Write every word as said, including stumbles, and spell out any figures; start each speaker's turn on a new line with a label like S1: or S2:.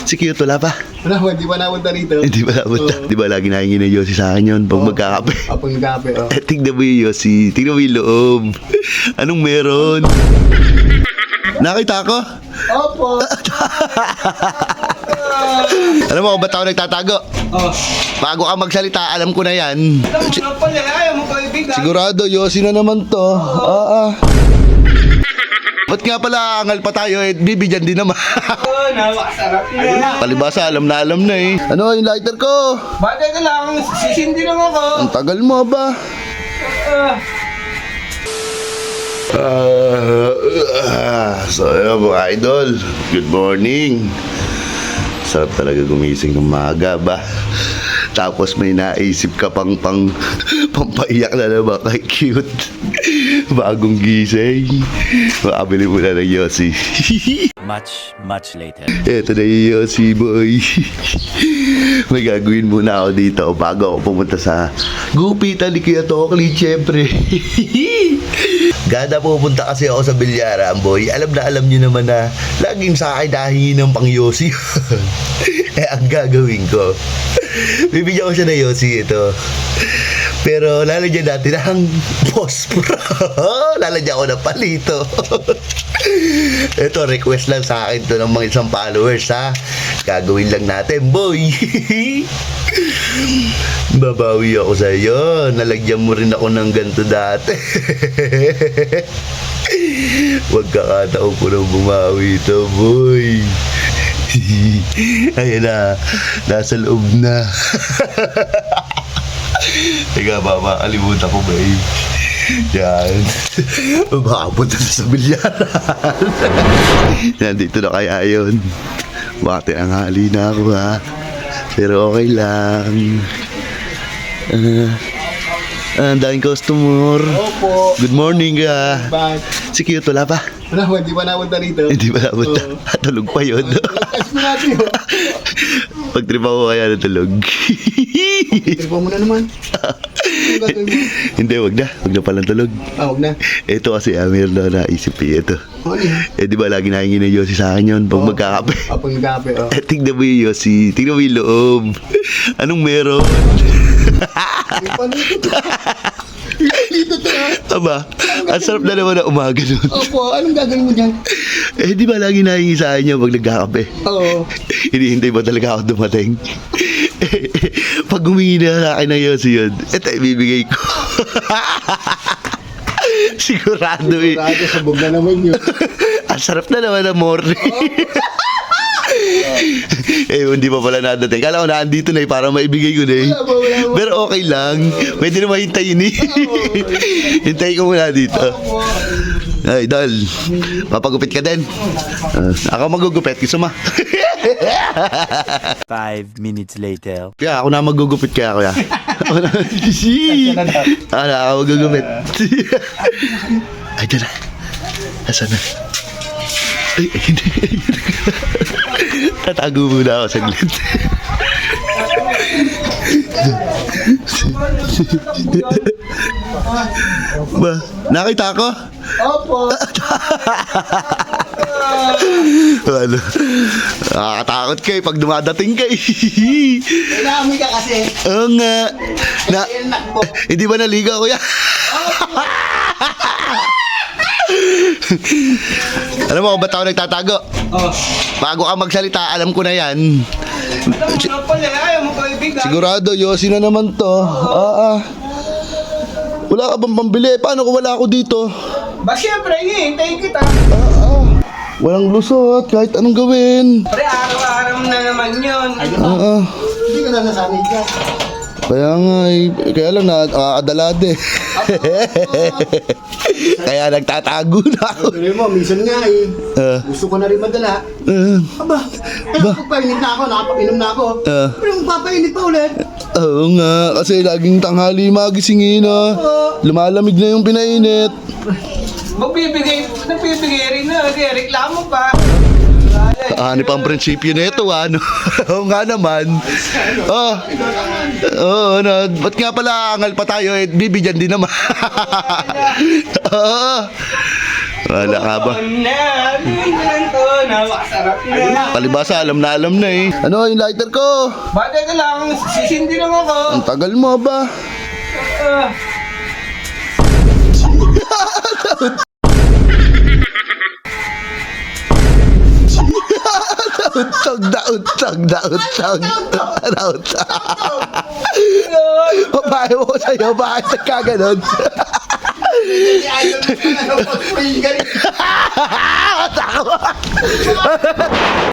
S1: Si cute, wala pa.
S2: Wala, hindi pa napunta rito.
S1: Hindi ba napunta?
S2: Oo.
S1: Di ba lagi nahingi ng Yossi sa akin yun pag
S2: Oo.
S1: magkakape?
S2: Ah, pag nagkape, oh.
S1: Eh, tignan mo yung Yossi. Tignan mo yung loob. Anong meron? Nakita ko?
S2: Opo.
S1: Alam mo kung ba't ako nagtatago?
S2: Oh.
S1: Bago ka magsalita, alam ko na yan.
S2: Alam mo nga pala, ayaw mo kaibigan.
S1: Sigurado, Yossi na naman to. Ah, ah. Ba't nga pala angal pa tayo eh, bibigyan din naman.
S2: Oo, napakasarap yan.
S1: Palibasa, alam na alam na eh. Ano yung lighter ko?
S2: Bagay ka lang, sisindi lang ako.
S1: Ang tagal mo ba?
S2: Ah.
S1: Ah, ah, so yun mga idol, good morning. Sarap talaga gumising ng maaga ba? Tapos may naisip ka pang pang pampaiyak na naman kay cute. Bagong gising. Makabili mo na ng Yossi.
S3: Much, much later.
S1: Eto na yung Yossi boy. May gagawin muna ako dito bago ako pumunta sa gupitan ni Kuya Tokli, syempre. Gada pupunta kasi ako sa Bilyaran, boy. Alam na alam nyo naman na laging sa akin nahingi ng pang Yossi. Eh, ang gagawin ko, bibigyan ko siya ng Yossi ito. Pero lalagyan natin ang pospro. Lalagyan ko ng palito. Ito, request lang sa akin to ng mga isang followers, ha. Gagawin lang natin, boy. Babawi ako sa iyo. Nalagyan mo rin ako ng ganito dati. Huwag kakataon ko nang bumawi ito, boy. Ayan na, nasa loob na. Teka, baba, kalimutan ko ba eh. Yan. Makapunta na sa Bilyaran. Nandito na kaya yun. Bakit ang hali na ako, ha? Pero okay lang. Ah, uh, ang daming customer.
S2: Opo.
S1: Good morning, ka.
S2: Bye.
S1: Si cute, wala pa.
S2: Wala, hindi pa napunta rito.
S1: Hindi ba napunta?
S2: Oo.
S1: Tulog pa yun.
S2: Ayos mo natin, oh.
S1: Pag-trip ako kaya natulog.
S2: Tripa mo na naman. Ano gagawin mo?
S1: Hindi, wag na. Wag na palang tulog.
S2: Ah, huwag na.
S1: Ito kasi ah, meron na naisip eh. Ito.
S2: Ano yan?
S1: Eh, di ba lagi nahingi ng Yossi sa akin yun pag
S2: Oo.
S1: magkakape?
S2: Ah, pag nagkape, oh.
S1: Eh, tignan mo yung Yossi. Tignan mo yung loob. Anong meron?
S2: May panito to. Dito to, ha?
S1: Aba, ang sarap na naman na umaga nun.
S2: Opo, anong gagawin mo dyan?
S1: Eh, di ba lagi nahingi sa akin yun pag nagkakape?
S2: Oo.
S1: Hinihintay ba talaga ako dumating? Eh, pag humingi na sa akin ng Yossi yun, eto ibibigay ko. Sigurado eh.
S2: Sigurado, sabog na naman yun.
S1: Ang sarap na naman ng morning. Eh, hindi pa pala nadating. Kala ko na andito na eh, para maibigay ko na eh.
S2: Wala ba, wala ba?
S1: Pero okay lang. Pwede na mahintayin eh. Hintayin ko muna dito. Ay, Dol. Mapagupit ka din. Uh, ako magugupit. Gusto mo?
S3: Five minutes later.
S1: Kaya ako na magugupit kaya kuya. Ako na. Ako na ako magugupit. Ay, dyan na. Asan na? Ay, ay, hindi. Tatago muna ako saglit. Ba, nakita ko?
S2: Opo.
S1: Ano? Nakakatakot kayo pag dumadating kayo.
S2: Kailangan ka kasi.
S1: Oo nga. Na,
S2: Kaya nakbo.
S1: hindi ba naliga kuya? Alam mo kung ba't ako nagtatago?
S2: Oh.
S1: Bago ka magsalita, alam ko na yan.
S2: Alam mo nga pala, ayaw mo kaibigan.
S1: Sigurado, Yossi na naman to. Ah, ah. Wala ka bang pambili? Paano kung wala ako dito?
S2: Ba, syempre, hihintayin kita.
S1: Ah, ah. Walang lusot, kahit anong gawin.
S2: Pre, araw-araw na naman yun.
S1: Ah, ah.
S2: Hindi ka na nasanay ka.
S1: Kaya nga, eh, kaya lang nakakadalad eh. Kaya nagtatago na ako.
S2: Pero mo, minsan nga eh.
S1: Ah.
S2: Gusto ko na rin madala.
S1: Ah,
S2: Aba, kaya pagpainit na ako, nakapag-inom na ako.
S1: Ah.
S2: Pero magpapainit pa ulit.
S1: Oo nga, kasi laging tanghali magisingin ah. Lumalamig na yung pinainit.
S2: Magbibigay, nagbibigay rin na. Kaya reklamo pa.
S1: Ano pa ang prinsipyo na ito, ano? Oo nga naman. Oh, oo, ano, ba't nga pala angal pa tayo, eh, bibigyan din naman. Oo. Wala ka ba?
S2: Na, bigyan to, napakasarap na.
S1: Palibasa, alam na alam na eh. Ano yung lighter ko?
S2: Bate ka lang, sisindi lang ako.
S1: Ang tagal mo ba?
S2: Ah.
S1: Untog na untog na untog. Untog. Babae mo ko sa'yo, bakit nagkaganon?
S2: Ayaw na, ano, pag-pingarin.
S1: Takot!